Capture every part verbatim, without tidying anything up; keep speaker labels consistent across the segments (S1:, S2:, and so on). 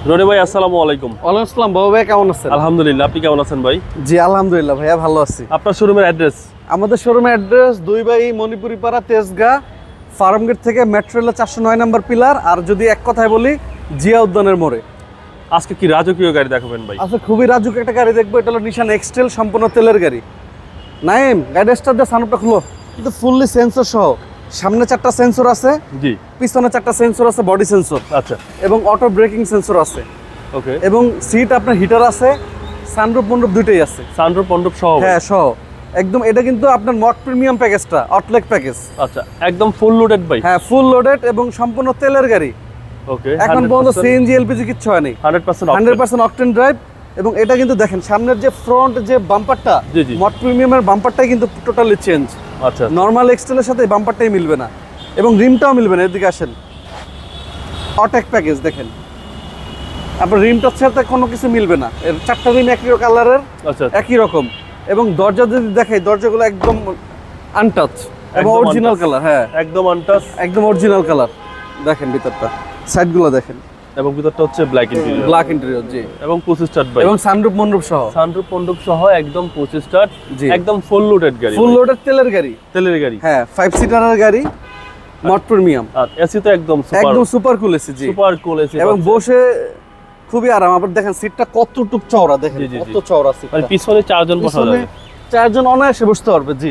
S1: রনি ভাই আসসালামু আলাইকুম।
S2: ওয়ালাইকুম আসসালাম। বাবু ভাই কেমন আছেন?
S1: আলহামদুলিল্লাহ, আপনি কেমন আছেন ভাই?
S2: জি আলহামদুলিল্লাহ ভাইয়া ভালো আছি।
S1: আপনার শোরুমের অ্যাড্রেস?
S2: আমাদের শোরুমের অ্যাড্রেস দুই বাই মণিপুরি পাড়া, তেজগাঁ, ফার্মগেট থেকে মেট্রো রেলের চারশো নয় নম্বর পিলার। আর যদি এক কথায় বলি, জিয়া উদ্যানের মোড়ে।
S1: আজকে কি রাজকীয় গাড়ি দেখাবেন ভাই?
S2: আচ্ছা, খুবই রাজুক একটা গাড়ি দেখবো। এটা হলো নিশান এক্সটেল, সম্পূর্ণ তেলের গাড়ি। নাইম, গাড়ি স্টার্ট দিয়ে সানরুফটা খুলো। কিন্তু ফুললি সেন্সর সহ। সামনে চারটা সেন্সর আছে,
S1: জি।
S2: পিছনে চারটা সেন্সর আছে, বডি সেন্সর।
S1: আচ্ছা,
S2: এবং অটো ব্রেকিং সেন্সর আছে।
S1: ওকে।
S2: এবং সিট আপনার হিটার আছে, সানরুফ মন্ডপ দুইটাই আছে।
S1: সানরুফ মন্ডপ সহ?
S2: হ্যাঁ, সহ একদম। এটা কিন্তু আপনার মড প্রিমিয়াম প্যাকেজটা, অটলেক প্যাকেজ।
S1: আচ্ছা, একদম ফুল লোডেড ভাই?
S2: হ্যাঁ, ফুল লোডেড এবং সম্পূর্ণ তেলের গাড়ি।
S1: ওকে।
S2: এখন পর্যন্ত সিএনজি এলপিজি কিচ্ছু হয়নি,
S1: hundred percent
S2: hundred percent octane drive. এবং এটা কিন্তু দেখেন সামনের যে ফ্রন্ট যে বাম্পারটা,
S1: জি জি,
S2: মড প্রিমিয়ামের বাম্পারটাই কিন্তু টোটালি চেঞ্জ।
S1: আচ্ছা,
S2: নর্মাল এক্সটেলের সাথে বাম্পারটাই মিলবে না, এবং রিমটাও মিলবে না। এদিকে আসেন, অটেক প্যাকেজ দেখেন, আপনার রিমটার সাথে কোনো কিছু মিলবে না। এর চারটা রিম একই কালারের,
S1: আচ্ছা,
S2: একই রকম। এবং দরজা যদি দেখাই, দরজাগুলো একদম আনটাচ এবং অরিজিনাল কালার। হ্যাঁ,
S1: একদম আনটাচ,
S2: একদম অরিজিনাল কালার। দেখেন ভিতরটা, সাইডগুলো দেখেন।
S1: এবং ভিতরটা হচ্ছে ব্ল্যাক ইন্টেরিয়র।
S2: ব্ল্যাক ইন্টেরিয়র, জি।
S1: এবং পঁচিশ স্টার্ট ভাই?
S2: এবং সানরুফ মন্ডপ সহ।
S1: সানরুফ মন্ডপ সহ একদম পঁচিশ স্টার্ট,
S2: জি।
S1: একদম ফুল লোডেড গাড়ি।
S2: ফুল লোডেড তেলের গাড়ি,
S1: তেলের গাড়ি।
S2: হ্যাঁ, ফাইভ সিটারের গাড়ি, মড প্রিমিয়াম।
S1: আর এসি তো একদম সুপার,
S2: একদম সুপার কুল এসি, জি।
S1: Super cool AC.
S2: এবং বসে খুবই আরাম। আবার দেখেন সিটটা কতটুক চওড়া, দেখেন
S1: জি, জি,
S2: কত
S1: জি।
S2: চওড়া সিট।
S1: মানে পিছনে চারজন বসা
S2: পিছনে
S1: যাবে,
S2: চারজন অনায়াসে বসতে পারবে, জি।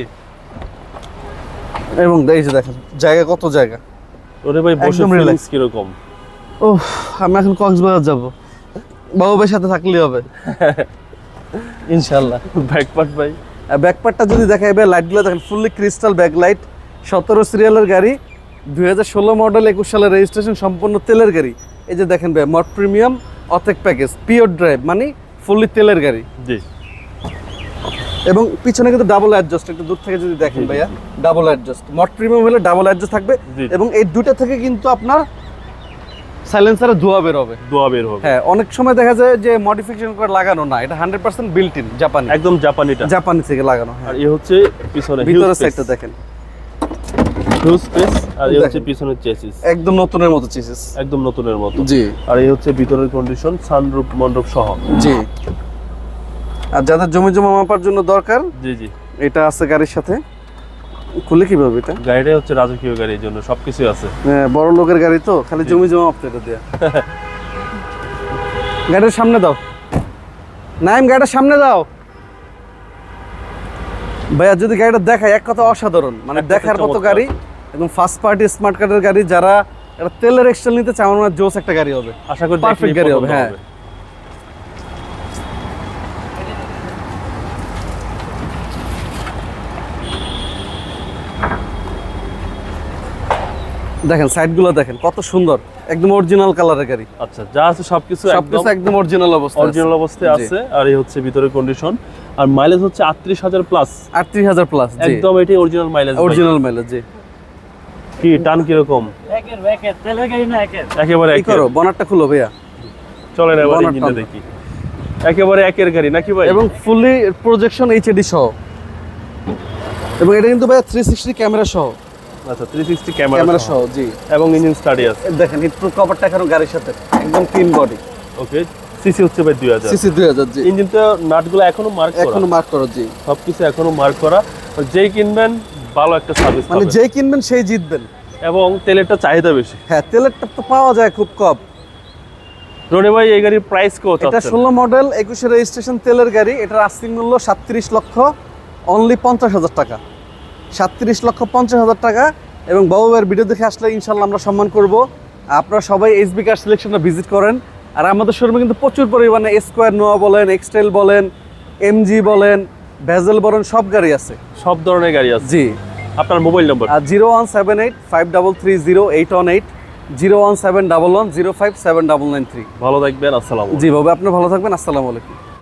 S2: এবং এই যে দেখেন জায়গা, কত জায়গা।
S1: ওরে ভাই, বসে
S2: একদম
S1: ফিলিংস
S2: relax।
S1: কি রকম?
S2: ওহ, আমি এখন কক্সবাজার যাব, বাবু ভাইয়ের সাথে থাকলেই হবে ইনশাআল্লাহ।
S1: ব্যাকপার্ট ভাই?
S2: ব্যাকপার্টটা যদি দেখা যাবে, লাইটগুলো দেখেন ফুললি ক্রিস্টাল ব্যাকলাইট। সতেরো সিরিয়ালের গাড়ি, দুই হাজার ষোলো মডেল, একুশ সালের রেজিস্ট্রেশন, সম্পূর্ণ তেলের গাড়ি। এই যে দেখেন ভাই, মড প্রিমিয়াম অথেক প্যাকেজ, পিওর ড্রাইভ, মানে ফুললি তেলের গাড়ি।
S1: জি।
S2: এবং পিছনে কিন্তু ডাবল অ্যাডজাস্ট, একটু দূর থেকে যদি দেখেন ভাইয়া, ডাবল অ্যাডজাস্ট। মড প্রিমিয়াম হলে ডাবল অ্যাডজাস্ট থাকবে। এবং এই দুটো থেকে কিন্তু আপনার সাইলেন্সারে ধোঁয়া বের হবে,
S1: ধোঁয়া বের হবে।
S2: হ্যাঁ, অনেক সময় দেখা যায় যে মডিফিকেশন করে লাগানো না, এটা হান্ড্রেড পার্সেন্ট বিল্ট ইন, জাপানি,
S1: একদম জাপানিটা,
S2: জাপানি থেকে লাগানো।
S1: আর এই হচ্ছে পিছনে
S2: ভিতরের সাইডটা দেখেন,
S1: হিউজ স্পেস। আর এই হচ্ছে পিছনের চেসিস,
S2: একদম নতুনের মতো চেসিস,
S1: একদম নতুনের মতো,
S2: জি।
S1: আর এই হচ্ছে ভিতরের কন্ডিশন, সানরুফ মন্ডপ সহ,
S2: জি। আর যাদের জমি জমা মাপার জন্য দরকার,
S1: জি জি,
S2: এটা আছে গাড়ির সাথে। খুলে কিভাবে এটা?
S1: গাড়িটা হচ্ছে রাজকীয় গাড়ি, এর জন্য সবকিছু আছে।
S2: হ্যাঁ, বড় লোকের গাড়ি তো, খালি জমি জমা মাপতে এটা দেয়া। গাড়ির সামনে দাও, নাইম, গাড়ির সামনে দাও ভাইয়া। যদি গাড়িটা দেখায়, এক কথা অসাধারণ, মানে দেখার মতো গাড়ি। একদম ফার্স্ট পার্টি স্মার্ট কার্ডের গাড়ি। যারা একটা তেলের এক্সটেল নিতে চায়, আমার মনে হয় জোস একটা গাড়ি হবে,
S1: আশা করি
S2: পারফেক্ট গাড়ি হবে। হ্যাঁ, দেখেন সাইডগুলো দেখেন কত সুন্দর, একদম অরিজিনাল কালারের গাড়ি।
S1: আচ্ছা, যা আছে সবকিছু
S2: সবকিছু একদম অরিজিনাল অবস্থা,
S1: অরিজিনাল অবস্থায় আছে। আর এই হচ্ছে ভিতরের কন্ডিশন। আর মাইলেজ হচ্ছে আটত্রিশ হাজার প্লাস,
S2: আটত্রিশ হাজার প্লাস,
S1: একদম এটাই অরিজিনাল মাইলেজ।
S2: অরিজিনাল মাইলেজ, জি।
S1: কি টান কিরকম?
S3: একের একের তেলের গাড়ি না একের,
S1: একেবারে
S2: কি
S1: একের।
S2: করো, বনারটা খুলো ভাইয়া,
S1: চলেন এবার
S2: বনারটা
S1: ইঞ্জিনটা
S2: টানো।
S1: দেখি। একেবারে একের গাড়ি নাকি ভাই?
S2: এবং ফুললি প্রজেকশন এইচডি সহ। এবং এটা কিন্তু ভাই থ্রি সিক্সটি ক্যামেরা সহ।
S1: আচ্ছা, থ্রি সিক্সটি ক্যামেরা
S2: ক্যামেরা সহ, জি।
S1: এবং ইঞ্জিন স্টাডি আছে।
S2: দেখেন হিট প্রুফ কভারটা এখনো গাড়ির সাথে, একদম ক্লিন বডি।
S1: ওকে। সিসি হচ্ছে ভাই দুই হাজার,
S2: সিসি দুই হাজার, জি।
S1: ইঞ্জিনটা নাটগুলো এখনো মার্ক করা,
S2: এখনো মার্ক করো, জি।
S1: সবকিছু এখনো মার্ক করা। যেই কিনবেন ভালো একটা সার্ভিস
S2: মানে
S1: পাবেন,
S2: যেই কিনবেন সেই জিতবেন।
S1: এবং তেলেরটা চাহিদা বেশি।
S2: হ্যাঁ, তেলেরটা তো পাওয়া যায় খুব কম।
S1: রনি ভাই, এই গাড়ির প্রাইস কত?
S2: এটা ষোলো মডেল, একুশে রেজিস্ট্রেশন, তেলের গাড়ি। এটার আস্তিক মূল্য সাতত্রিশ লক্ষ, অনলি পঞ্চাশ হাজার টাকা। সাতত্রিশ লক্ষ পঞ্চাশ হাজার টাকা। এবং বাবু ভাইয়ের ভিডিও দেখে আসলে ইনশাল্লাহ আমরা সম্মান করব। আপনারা সবাই এইচবি কার সিলেকশনটা ভিজিট করেন। আর আমাদের শোরুমে কিন্তু প্রচুর পরিমাণে স্কোয়ার নোয়া বলেন, এক্সটেল বলেন, এমজি বলেন, ভেজেল বলেন, সব গাড়ি আছে,
S1: সব ধরনের গাড়ি আছে,
S2: জি।
S1: আপনার মোবাইল নম্বর?
S2: আর zero one seven eight five double three zero eight one eight, zero one seven double one zero five seven double nine three.
S1: ভালো থাকবেন, আসসালাম।
S2: জি বাবু, আপনি ভালো থাকবেন, আসসালামু আলাইকুম।